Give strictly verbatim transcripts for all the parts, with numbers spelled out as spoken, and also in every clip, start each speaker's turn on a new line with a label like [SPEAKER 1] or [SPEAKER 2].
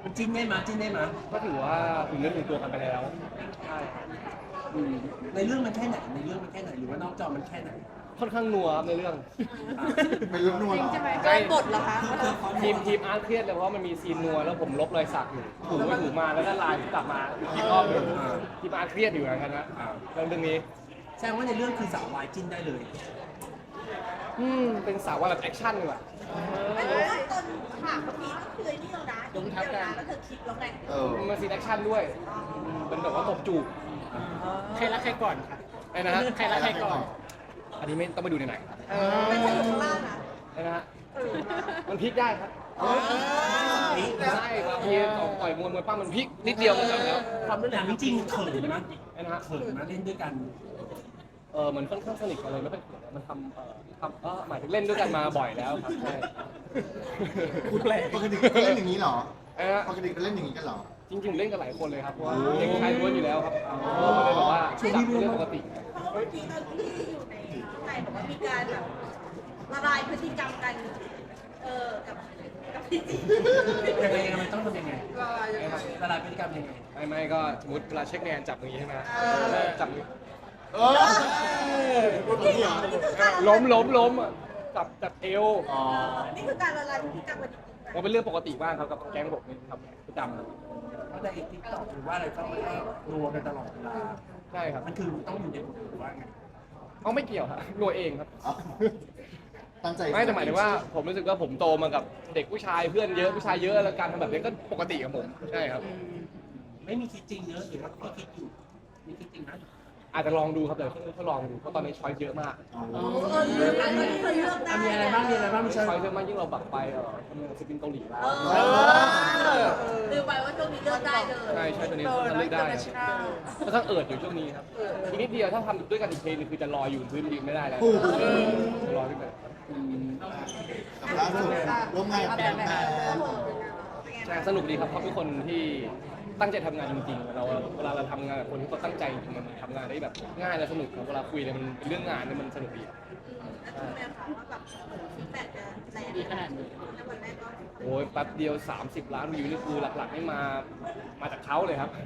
[SPEAKER 1] มันจิ้นได้ไหมยจิ้นได้ไหมย
[SPEAKER 2] ก็ถือว่าถึงเนื้อถึงตัวกันไปแล้วใช่ครับอืม
[SPEAKER 1] ในเรื่องมันแค่ไหนในเรื่องมันแค่ไหนหรือว่านอกจอมันแค่ไหน
[SPEAKER 2] ค่อนข้างนัวครับในเรื่อง
[SPEAKER 3] เป็นเรื่องนวลเหรอ
[SPEAKER 4] โดนบทเหรอคะ
[SPEAKER 2] ทีมทีมอาร์ตเครียดเลยเพราะว่ามันมีซีนนัวแล้วผมลบรอยสักอยู่ถูไปถูมาแล้วก็ลายกลับมาอีกรอบหนึงทีมอาร์ตเครียดอยู่เหมือนกันนะเรื่องเรื่องนี้
[SPEAKER 1] แสดงว่าในเรื่องคือสาววายจิ้นได้เลย
[SPEAKER 2] อืมเป็นสาวว่าแบบแอคชั่นดีกว่า
[SPEAKER 4] ไม่รู้ว่าตอนฉากเมื่อกี้ก็คือไอ้นี่แล้วนะเดี๋ยวนะแล้วเธอคิดแล้วไง
[SPEAKER 3] เออ
[SPEAKER 2] มันซีนแอคชั่นด้วยเป็นแบบว่าตบจูบ
[SPEAKER 5] ใครรักใครก่อนค่ะ
[SPEAKER 2] ไอ้นะฮะ
[SPEAKER 5] ใครรักใครก่อน
[SPEAKER 2] อันนี้ไม่ต้องไปดูในไหน
[SPEAKER 4] ไม่ใช่อยู่ข้างล่างนะ
[SPEAKER 2] ไอ้นะฮะมันพลิกได้ครับใช่บางทีต่อยมวยมวยปั้มมันพลิกนิดเดียวมันจบแล้ว
[SPEAKER 1] ความเป็นหนังจริงๆเขินนะ
[SPEAKER 2] ไอ้นะฮะ
[SPEAKER 1] เขินนะเล่นด้วยกัน
[SPEAKER 2] เออเหมือนค่อนข้างสนิทกันเลยไม่ค่อยเขินมันทำเอ่อทำเออหมายถึงเล่นด้วยกันมาบ่อยแล้วครับใช่
[SPEAKER 5] พูดแปลก
[SPEAKER 3] ปกติก็เล่นอย่างนี้เหรอ
[SPEAKER 2] ไอ้นะฮะ
[SPEAKER 3] ปกติก็เล่นอย่างนี้กันเหรอ
[SPEAKER 2] จริงๆผมเล่นกับหลายคนเลยครับเพราะว่าเด็กชายล้วนอยู่แล้วครับก็เลยบอกว่าจับเรื่องปกติ
[SPEAKER 4] เพราะว่าเมื่อกี้ตอนที่อยู่ในข้างในบอกว่ามีการแบบละลายพฤติกรรมกัน เออกับกับพี่จี
[SPEAKER 1] ยังไงยังไงต้องทำยังไง
[SPEAKER 4] ละลายยังไง
[SPEAKER 1] ละลายพฤติกรรมยังไง
[SPEAKER 2] ไม่ไม่ก็สมมติเวลาเช็คแนนจับอย่างนี้ใช่ไหม
[SPEAKER 4] เออ
[SPEAKER 2] จับอย่างนี้
[SPEAKER 3] เออพูดอย่างนี้เหรอ
[SPEAKER 2] ล้มล้มล้มอ่ะจับจับเอว
[SPEAKER 3] อ๋อ
[SPEAKER 4] นี่คือการละลายพฤติกรรมกันจริงๆ
[SPEAKER 2] มันเป็นเรื่องปกติมากครับกับแก๊งผมนี่ครับประจำครับ
[SPEAKER 1] เพราะในทิกตอกหรือว่าอะไรก็มันก็รัวกันตลอดเวลา
[SPEAKER 2] ใช่ครับ
[SPEAKER 1] มันคือต้องอยู่ในบทหรือว่าไง
[SPEAKER 2] เอาไม่เกี่ยวครับรัวเองครับ
[SPEAKER 3] อ๋อตั้งใจ
[SPEAKER 2] ไม่แต่หมายถึงว่าผมรู้สึกว่าผมโตมากับเด็กผู้ชายเพื่อนเยอะผู้ชายเยอะแล้วการทำแบบนี้ก็ปกติกับผมใช่ครับ
[SPEAKER 1] ไม่มีคิดจริงเนอะหรือว่าพี่คิดอยู่มีคิดจริงนะ
[SPEAKER 2] อาจจะลองดูครับเดี๋ยวเขาลองดูเพราะตอนนี้ช้อยเยอะมาก
[SPEAKER 3] อ๋อ
[SPEAKER 4] เออเลือกอันนี้คือเลือกได้
[SPEAKER 1] อ่ะมีอะไรบ้างมีอะไรบ้างมี
[SPEAKER 2] ช้
[SPEAKER 1] ช้
[SPEAKER 2] อ
[SPEAKER 1] อย ย
[SPEAKER 2] เยอะมากยิ่งเราบักไปเออทำงานศิลปินเกาหลีแล้ว
[SPEAKER 4] เออลืมไปว่าช่วงนี้เลือกได้เลย
[SPEAKER 2] ใช่ใช่ตัวนี้ทำเลือกได้ก็ต้องเอิดอยู่ช่วงนี้ครับอีกนิดเดียวถ้าทำด้วยกันอีกเพลงนึงคือจะลอยอยู่พื้นยืนไม่ได้แล้วลอยขึ้นไป
[SPEAKER 3] กับล่าสุดร่วมงานกับแบมแบม
[SPEAKER 2] ใช่สนุกดีครับเขาเป็นคนที่ตั้งใจทำงานจริงๆเราเวลาเราทำงานกับคนที่เขาตั้งใจจริงๆมันทำงานได้แบบง่ายและสนุกครับเวลาคุยเลยมันเป็นเรื่องงานเนี่ยมันสนุกดี
[SPEAKER 4] แล้วคุณแม่คะว่าแบบฟีดแบ็กจะแรง
[SPEAKER 5] ดีขนาดนี้
[SPEAKER 4] ในวันแรกก็
[SPEAKER 2] โอ้ยแป๊บเดียว สามสิบ ล้านวิวนี่คือหลักๆนี่มามาจากเขาเลยครับ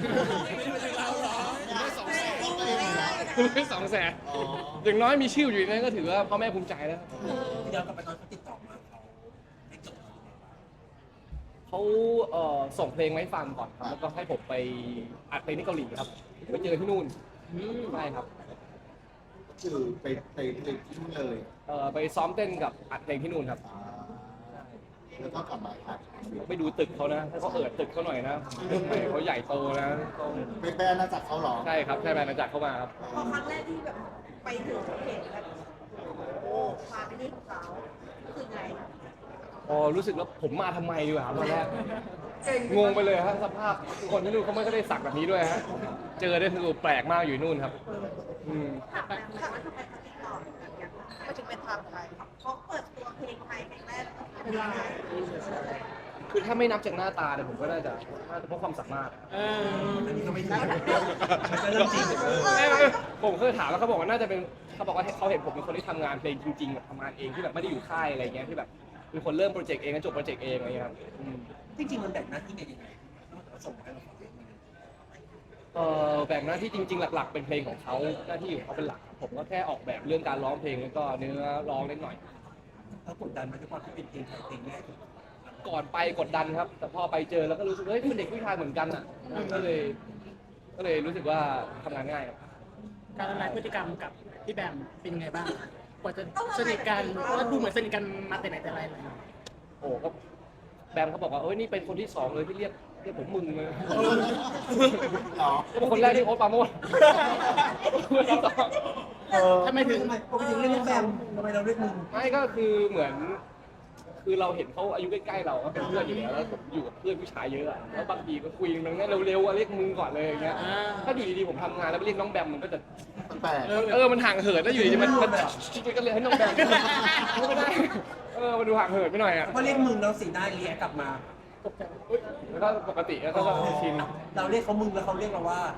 [SPEAKER 2] ไม่สองแสนอย่างน้อยมีชื่ออยู่ในนั้นก็ถือว่าพ่อแม่ภูมิใจแล้ว
[SPEAKER 1] ที่ย้อนกลับไปตอนเขาติดต่อมาเขาให้จบยังไงบ้าง
[SPEAKER 2] เขาเอ่อส่งเพลงมาให้ฟังก่อนครับแล้วก็ให้ผมไปอัดเพลงที่เกาหลีครับไปเจอที่นู่นใช่ครับ
[SPEAKER 3] คือไปไปไปที่นู่นเลย
[SPEAKER 2] เอ่อไปซ้อมเต้นกับอัดเพลงที่นู่นครับ
[SPEAKER 3] อ่าแล้วก็กลับมาอัด
[SPEAKER 2] ไปดูตึกเขานะถ้าเขาเอิดตึกเขาหน่อยนะเขาใหญ่โตนะต้อง
[SPEAKER 3] ไปแบรนด์มาจากเขาเหรอ
[SPEAKER 2] ใช่ครับใช่แบรนด์มาจากเข้ามาครับ
[SPEAKER 4] พอครั้งแรกที่แบบไปถึงเห็นแบบโอ้ความเป็นนี่ของเขาคือไง
[SPEAKER 2] พอรู้สึกแล้วผมมาทำไมดีกว่าตอนแรกงงไปเลยฮะสภาพคนที่นู่นเขาไม่ได้สักแบบนี้ด้วยฮะเจอได้คือแปลกมากอยู่นู่นครับอืม
[SPEAKER 4] ถามแบบถามว่าทำไมเขาติดต่อแบบอย่างไม่ถึงเป็นทางไทยเขาเปิดตัวเพลงไทยเพลงแรกเป็นยังไง
[SPEAKER 2] คือถ้าไม่นับจากหน้าตาเนี่ยผมก็น่าจะน่าจะเพราะความสามารถ
[SPEAKER 5] เออ
[SPEAKER 1] อันนี้ก็ไม่ถูกมันก็เรื่องจริงเออ
[SPEAKER 2] ไม่ไม่ผมเคยถามแล้วเขาบอกว่าน่าจะเป็นเขาบอกว่าเขาเห็นผมเป็นคนที่ทำงานเพลงจริงๆแบบทำงานเองที่แบบไม่ได้อยู่ค่ายอะไรเงี้ยที่แบบเป็นคนเริ่มโปรเจกต์เองแล้วจบโปรเจกต์เองอะไรเงี้ยครับอืม
[SPEAKER 1] จริงๆมันแบ่งหน้าที่กันยังไงนอกจากว่าส่งให้เราฟังเองมัน
[SPEAKER 2] เออแบ่งหน้าที่จริง ๆ หลัก ๆ เป็นเพลงของเขาหน้าที่ของเขาเป็นหลัก ผมก็แค่ออกแบบเรื่องการร้องเพลงแล้วก็เนื้อร้องเล็กหน่อย
[SPEAKER 1] เขากดดันมาด้วยความที่เป็นเพลงไทยเพลงแรก
[SPEAKER 2] ก่อนไปกดดันครับ แต่พอไปเจอแล้วก็รู้สึกเฮ้ยเป็นเด็กผู้ชายเหมือนกันอ่ะก็เลย ก็เลยรู้สึกว่าทำงานง่ายครับ
[SPEAKER 5] การละลายพฤติกรรมกับพี่แบมเป็นยังไงบ้างกว่าจะสนิทกันเพราะว่าดูเหมือนสนิทกันมาแต่ไหนแต่ไรเลย
[SPEAKER 2] โอ้ก็แบมเขาบอกว่าเอ้ยนี่เป็นคนที่สองเลยที่เรียกเรียกผมมึงเลย
[SPEAKER 3] เหรอ
[SPEAKER 2] ก็เป็นคนแรกที่โอ๊ตปราโมดคนที่สอง
[SPEAKER 5] ทำไมถึง
[SPEAKER 1] ทำไมปกติเรียกน้องแบมทำไมเราเรียกมึง
[SPEAKER 2] ไม่ก็คือเหมือน คือเราเห็นเขาอายุใกล้ๆเราก็เป็นเพื่อนอยู่แล้วแล้วผมอยู่กับเพื่อนผู้ชายเยอะอะแล้วบางทีก็คุยกันงั้นเร็วๆอะเรียกมึงก่อนเลยอย่างเงี้ย
[SPEAKER 5] อ่า
[SPEAKER 2] ถ้าอยู่ดีๆผมทำงานแล้วไปเรียกน้องแบมมันก็จะ
[SPEAKER 3] แปลก
[SPEAKER 2] เออมันห่างเหินแล้วอยู่ดีๆมันมันมันก็เลยให้น้องแบมไม่ได้เออมันดูห่างเหินไปหน่อยอ่ะ
[SPEAKER 1] เพราะเรียกมึงเราสีหน้าเรียกกลับมา
[SPEAKER 2] แล้วก็ปกติแล้วก็ชิน
[SPEAKER 1] เราเรียกเขามึงแล้วเขาเรียกเราว่า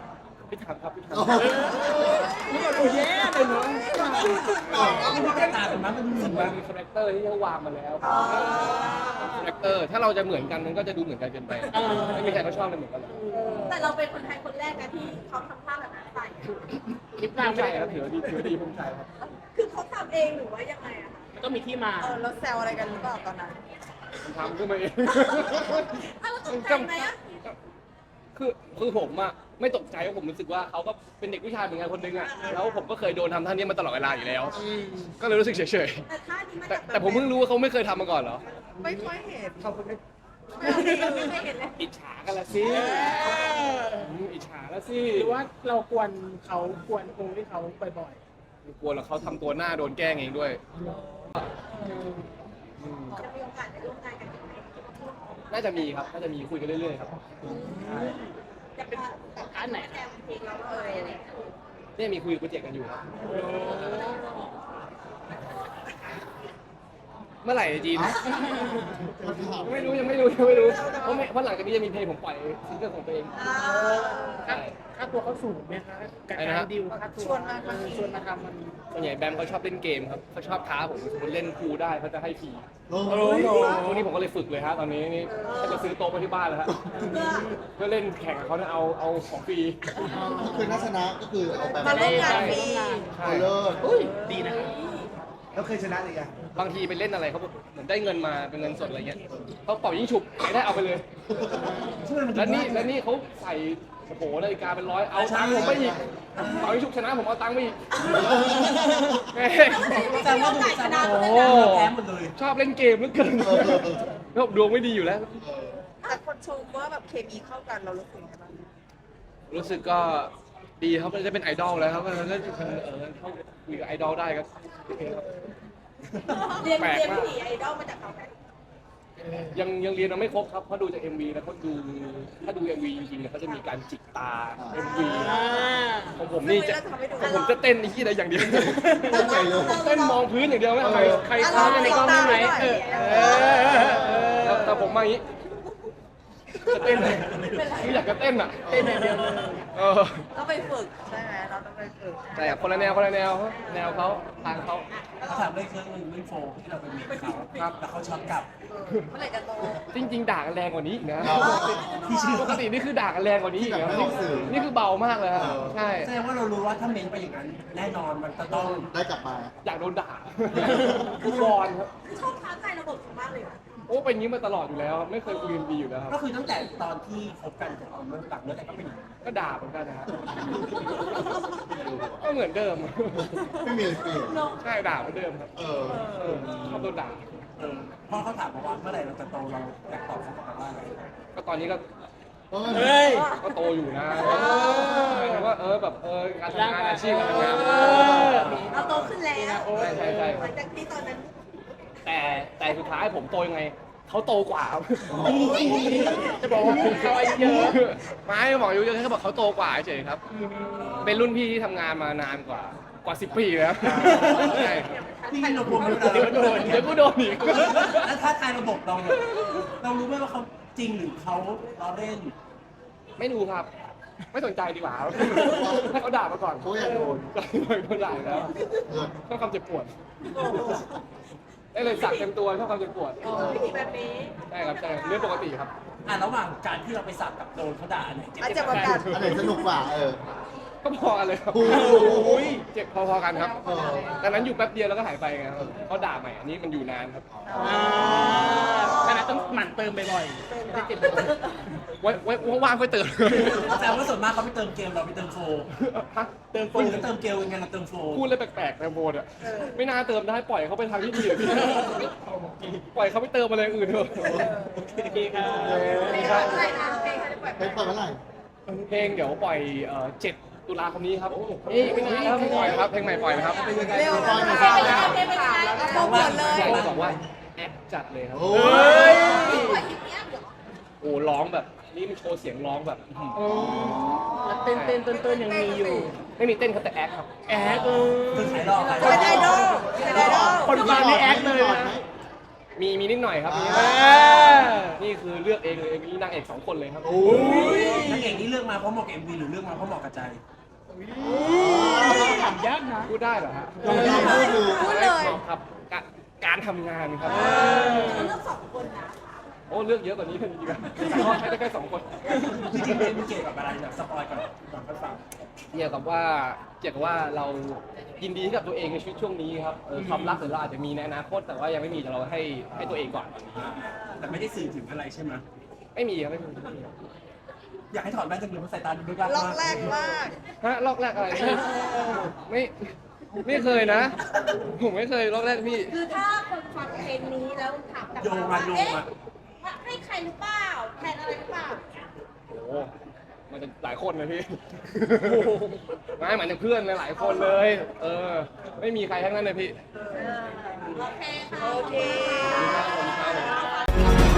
[SPEAKER 2] พี่ถามครับพี่ถาม
[SPEAKER 3] โอ้โห
[SPEAKER 5] นี่ก็ดูแย่เลยเนาะ
[SPEAKER 1] มันดูแตกต่างกันมั้ยมันรู้สึก
[SPEAKER 2] มั
[SPEAKER 1] ว่าน
[SPEAKER 2] มีคาแรคเตอร์ที่เขาวางมาแล้วคาแรคเตอร์ถ้าเราจะเหมือนกันมันก็จะดูเหมือนกันเกินไปไม่มีใครเขาชอบกันเหมือนกันหรอก
[SPEAKER 4] แต่เราเป็นคนไทยคนแรกนะที่เขาทำท่าแบบนั้นใส่
[SPEAKER 5] คลิป
[SPEAKER 2] ภู
[SPEAKER 5] นาง
[SPEAKER 2] มิ
[SPEAKER 5] ไม่
[SPEAKER 2] ใจ
[SPEAKER 5] ได้
[SPEAKER 2] ครับถือว่าดีถือว่าดีภูมิใจครับ
[SPEAKER 4] คือเขาทำเองหรือว่ายังไงอะคะ
[SPEAKER 5] มันต้องมีที่มา
[SPEAKER 4] เออเราแซวอะไรกันหรือเปล่าตอนนั้น
[SPEAKER 2] ผมทำขึ้นมาเอง
[SPEAKER 4] อ้าวเราตกใจไหมอะ
[SPEAKER 2] คือคือผมอะไม่ตกใจเพราะผมรู้สึกว่าเขาก็เป็นเด็กผู้ชายเหมือนกันคนนึงอะแล้วผมก็เคยโดนทำท่านี้มาตลอดเวลาอยู่แล้ว ก็เลยรู้สึกเฉย
[SPEAKER 4] แต่ท่านี้มา
[SPEAKER 2] ๆแต่
[SPEAKER 4] จาก
[SPEAKER 2] แต่ผมเพิ่งรู้ว่าเขาไม่เคยทำมาก่อนเหรอ
[SPEAKER 4] ไม่ค่อยเห็น
[SPEAKER 2] เขาเพิ่ง
[SPEAKER 4] ไม่เคยเห็นเลย
[SPEAKER 2] อิจฉากันละสิอืมอิจฉาละสิ
[SPEAKER 5] หรือว่าเรากวนเขากวนครูที่เขาบ่อย
[SPEAKER 2] กลัวแล้วเขาทำตัวหน้าโดนแกล้งเองด้วยอืม
[SPEAKER 4] จะมีโอกาสได้ร่วมงานกันอีกไหม
[SPEAKER 2] น่าจะมีครับน่าจะมีคุยกันเรื่อยๆครับใช่
[SPEAKER 4] จะเป็นแบบการไหนแซวเพลงเราเลยอะไรอย่างเงี้ย
[SPEAKER 2] เนี่ยมีคุยโปรเจกต์กันอยู่ครับเมื่อไหร่จีน ไม่รู้ยังไม่รู้ยังไม่รู้เพราะไม่เพราะหลังจากนี้จะมีเพลงผมปล่อยซิงเกิลของตัวเอง
[SPEAKER 4] อ่า
[SPEAKER 5] ๆค่าค่าตัวเขาสูงไหมคะกับ
[SPEAKER 2] อะไร
[SPEAKER 5] กา
[SPEAKER 2] นะ
[SPEAKER 5] ร
[SPEAKER 2] ฮะ
[SPEAKER 5] ดิวค่าตัว
[SPEAKER 4] ชวนมา
[SPEAKER 5] เออชวนมาทำมัน
[SPEAKER 2] ส่วนใหญ่แบมเขาชอบเล่นเกมครับเขาชอบท้าผมสมมติเล่นพูลได้เขาจะให้ฟรี
[SPEAKER 3] โอ้โห
[SPEAKER 2] พวกนี้ผมก็เลยฝึกเลยฮะตอนนี้นี่ถ้าจะซื้อโต๊ะไปที่บ้านแล้วฮะ
[SPEAKER 4] เพื่อ
[SPEAKER 2] เพื่อเล่นแข่งกับเขาเนี่ยเอาเอาของฟรี
[SPEAKER 3] ก็คือนักชนะก็คือเอาไป
[SPEAKER 4] มาร่วมงานฟรี
[SPEAKER 2] ใช่
[SPEAKER 3] เอาเลิศ
[SPEAKER 5] ดีนะครับ
[SPEAKER 3] แล้วเคยชนะอีกอ่ะ
[SPEAKER 2] บางทีไปเล่นอะไรเขาเหมือนได้เงินมาเป็นเงินสดอะไรเงี้ยเขาเป่ายิงฉุบใครได้เอาไปเลย
[SPEAKER 1] ช่วยมัน
[SPEAKER 2] แล้วนี่แล้วนี่เขาใส่โอ้โหนาฬิกาเป็นร้อยเอาตังค์ผมไปอีกเป่ายิงฉุบชนะผมเอาตังค์ไปอีกแม่
[SPEAKER 1] แสดงว่าดูแสดง
[SPEAKER 2] โอ้
[SPEAKER 1] ว่าแพ้หมดเลย
[SPEAKER 2] ชอบเล่นเกมเหลือเกินแล้วดวงไม่ดีอยู่แล้ว
[SPEAKER 4] แต่คนชมว่าแบบเคมีเข้ากันเรารู้สึกไงบ้าง
[SPEAKER 2] รู้สึกก็ดีครับมันจะเป็นไอดอลแล้วครับก็เล่นเออเข้าคุยกับไอดอลได้ก็โอเคครับ
[SPEAKER 4] เรียน
[SPEAKER 2] แปลก
[SPEAKER 4] เรียน
[SPEAKER 2] มาก
[SPEAKER 4] ผีไอดอลมาจากเขาไหม
[SPEAKER 2] ยังยังเรียนมาไม่ครบครับเพราะดูจาก เอ็ม วี แล้วเขาดูถ้าดู เอ็ม วี จริงๆเนี่ยเขาจะมีการจิกตา เอ็ม วี
[SPEAKER 5] อ่า
[SPEAKER 2] ของผมนี่จะของผมจะเต้นไอ้ที่ใดอย่างเดียวเต้นมองพื้นอย่างเดียวไม่เอาใครใครค้ากันในกล้องได้ไหมเออเออแต่แต่ผมมาอย่างนี้จะเต้นเลยคืออยากจะเต้นอ่ะ
[SPEAKER 5] เต้นอย่างเดียวเลย
[SPEAKER 2] เออ
[SPEAKER 4] ต้องไปฝึกใช่ไหมเราต้องไปฝึก
[SPEAKER 2] แต่คนละแนวคนละแนวแนวเขาทางเขา
[SPEAKER 1] เขาถามเรื่องเครื่องเรื่องโฟมที่เราไปมีเขา
[SPEAKER 2] ครับ
[SPEAKER 1] แล้วเขาช็อตกลับ
[SPEAKER 4] เมื่อไหร่จะโต
[SPEAKER 2] จริง ๆ ด่ากันแรงกว่านี้อีกนะ
[SPEAKER 3] อ๋อ
[SPEAKER 2] ปกตินี่คือด่ากันแรงกว่านี้อีกนะ
[SPEAKER 3] ที่แบบไม่ออกสื่อ
[SPEAKER 2] นี่คือเบามากเลยครับใช่
[SPEAKER 1] แสดงว่าเรารู้ว่าถ้าเมนไปอย่างนั้นแน่นอนมันจะต้อง
[SPEAKER 3] ได้กลับมา
[SPEAKER 2] อยากโดนด่าคือบอลครับ
[SPEAKER 4] ชอบท้าทายระบบมากเลยอะ
[SPEAKER 2] โอ้เป็นอย่างนี้มาตลอดอยู่แล้ว ไม่เคยคุยกันดีอยู่แล้วครับ
[SPEAKER 1] ก็คือตั้งแต่ตอนที่คบกันเอาเมื่อหลังเลิกกันก็เป็นอย่างนี้
[SPEAKER 2] ก็ด่าเหมือนกันนะฮะก็เหมือนเดิม
[SPEAKER 3] ไม่มีอะไรเปลี่ยน
[SPEAKER 2] ใช่ด่าเหมือนเดิมครับ
[SPEAKER 3] เออ
[SPEAKER 2] เออชอบโดนด่า
[SPEAKER 1] เออพอเขาถามมาว่าเมื่อไหร่เราจะโตเราอยากตอบเขากลับมาว่าอะไร
[SPEAKER 2] ก็ตอนนี้ก็
[SPEAKER 5] เฮ้ย
[SPEAKER 2] ก็โตอยู่นะหมายถึงว่าเออแบบเออการทำงานอาชีพการทำงาน
[SPEAKER 5] เออ
[SPEAKER 4] เราโตขึ้นแล้ว
[SPEAKER 2] ใช่ใช่ใช่
[SPEAKER 4] หลังจากที่ตอนนั้น
[SPEAKER 2] แต่แต่สุดท้ายผมโตยังไงเขาโตกว่าครับ
[SPEAKER 5] จะบอกว่าเขาอายุเยอะ
[SPEAKER 2] ไม่บอกอายุเยอะแค่บอกเขาโตกว่าเฉยๆครับ เป็นรุ่นพี่ที่ทำงานมานานกว่ากว่าสิบปีแล้วใช่
[SPEAKER 1] พี่เรารวมกัน
[SPEAKER 2] เดี๋ยวโดนเดี๋ยวกูโดนอีก
[SPEAKER 1] แล้วถ้าทายระบบเราเรารู้ไหมว่าเขาจริงหรือเขาล้อเล่น
[SPEAKER 2] ไม่ดูครับ ไม่สนใจดีกว่าครับให้เขาด่ามาก่อน
[SPEAKER 3] เขาอยากโดน
[SPEAKER 2] ก็โดนด่าอยู่แล้ว
[SPEAKER 3] เลิศ
[SPEAKER 2] ชอบความเจ็บปวดได้เลยสักเต็มตัวชอบความเจ็บปวด
[SPEAKER 4] วิธีแบบนี้
[SPEAKER 2] ใช่ครับใช่เรื่องปกติครับ
[SPEAKER 1] อ่ะระหว่างการที่เราไปสักกับโดนเขาด่าเนี่ย
[SPEAKER 4] อาจจะประกาศ
[SPEAKER 3] อันไหนสนุกกว่าเออ
[SPEAKER 2] ก็พอกันเลยครับ
[SPEAKER 3] โอ้โห
[SPEAKER 2] เจ็บพอๆกันครับ
[SPEAKER 3] เออ
[SPEAKER 2] ดังนั้นอยู่แป๊บเดียวแล้วก็หายไปไงครับเขาด่าใหม่อันนี้มันอยู่นานครับ
[SPEAKER 5] อ่าขนาดต้องหมั่นเติมบ่อยๆไม่ได้เจ็บ
[SPEAKER 2] ไว้ไว้ว่างๆค่อยเติม
[SPEAKER 1] แต่ว่าส่วนมากเขาไปเติมเกมเราไปเติมโฟ
[SPEAKER 2] ฮะ
[SPEAKER 1] เติมโฟหรือเติมเกลยังไงเราเติมโฟ
[SPEAKER 2] พูดเลยแปลกๆในโบนอ่ะไม่น่าเติมได้ปล่อยเขาไปทางที่ดีอะพี่ปล่อยเขาไปเติมอะไรอย่างอื่นเถอะ
[SPEAKER 5] โอเคครับ
[SPEAKER 4] เพลงอะไรนะเพลงอะไรปล่อย
[SPEAKER 3] ไปปล่อยเมื่อไหร่
[SPEAKER 2] เพลงเดี๋ยวปล่อยเอ่อเจ็ดตุลาคมนี้ครับนี่ไม่นานแล้วเพลงปล่อยนะครับเพลงใหม่ปล่อยนะครับ
[SPEAKER 4] เร็ว
[SPEAKER 3] ปล่อยหน่อย
[SPEAKER 4] เพลงอะไรเพลงอะไรโปรโมทเลย
[SPEAKER 2] อยากจะบอกว่าแอคจัดเลยครับ
[SPEAKER 3] โอ้
[SPEAKER 2] ย
[SPEAKER 4] ปล่อยคลิปเนี้ยเดี๋ยว
[SPEAKER 2] โอ้ร้องแบบนี่มันโชว์เสียงร้องแบบอื้อหือ
[SPEAKER 5] โอ้แล้วเต้นเต้นต้นต้นๆยังมีอยู่
[SPEAKER 2] ไม่มีเต้นครับแต่แอคครับ
[SPEAKER 5] แอคเออ
[SPEAKER 1] คือขายดอกขายด
[SPEAKER 4] เป็นไอด
[SPEAKER 1] อ
[SPEAKER 4] อก ลเป็นไอดอล
[SPEAKER 5] คนฟังนี่แอคเลยนะ
[SPEAKER 2] โมีมีนิดหน่อยครับมี
[SPEAKER 3] อ่า
[SPEAKER 2] นี่คือเลือกเองเลยมีนางเอกสองคนเลยครับ
[SPEAKER 3] โอ้ย
[SPEAKER 1] นางเอกนี่เลือกมาเพราะเหมาะกับเอ็มวีหรือเลือกมาเพราะเหมาะกับใจ
[SPEAKER 5] ถามยากนะ
[SPEAKER 2] พูดได้เหรอฮะ
[SPEAKER 3] พูดเลยพูดเลย
[SPEAKER 4] พูดเลย
[SPEAKER 2] ครับกะการทำงานครับ
[SPEAKER 4] เราเลือกสองคนนะ
[SPEAKER 2] โอ้เลือกเยอะกว่านี้จริงๆใช้ได้แค่สองคน
[SPEAKER 1] จริงๆเป็นเกี่ยวกับอะไรแบบสปอยก่อนก่อนไปฟัง
[SPEAKER 2] เกี่ยวกับว่าเกี่ยวกับว่าเรายินดีกับตัวเองในชีวิตช่วงนี้ครับเออความรักหรือเราอาจจะมีในอนาคตแต่ว่ายังไม่มีแต่เราให้ให้ตัวเองก่อนตอนนี้
[SPEAKER 1] แต่ไม่ได้สื่อถึงอะไรใช่ไหม
[SPEAKER 2] ไม่มีครับไม่มี
[SPEAKER 1] อยากให้ถอดแว่นจังเลยเพราะสายตาดูลึกลับ
[SPEAKER 4] ล็อก
[SPEAKER 1] มาก
[SPEAKER 4] แรกมาก
[SPEAKER 2] ฮะลอกแรกอะไรพี่ไม่ไม่เคยนะ ผมไม่เคยลอกแรกพี่
[SPEAKER 4] คือถ้าคนฟังเพลงนี้แล้วถามกลับ
[SPEAKER 1] โยง
[SPEAKER 4] มา
[SPEAKER 1] มา
[SPEAKER 4] ว่า
[SPEAKER 1] โยง
[SPEAKER 4] เอ๊ะ
[SPEAKER 1] มา
[SPEAKER 4] ว่าให้ใครหรือเปล่าแทนอะไรหรือเปล่า
[SPEAKER 2] โอ้โหมันจะหลายคนเลยพี่ไม่เหมือนเพื่อนเลยหลายคนเลย เออ ไม่มีใครทั้งนั้นเลยพี่
[SPEAKER 4] โอเคค่ะโอเค
[SPEAKER 2] ขอบคุณครับขอบคุณครับ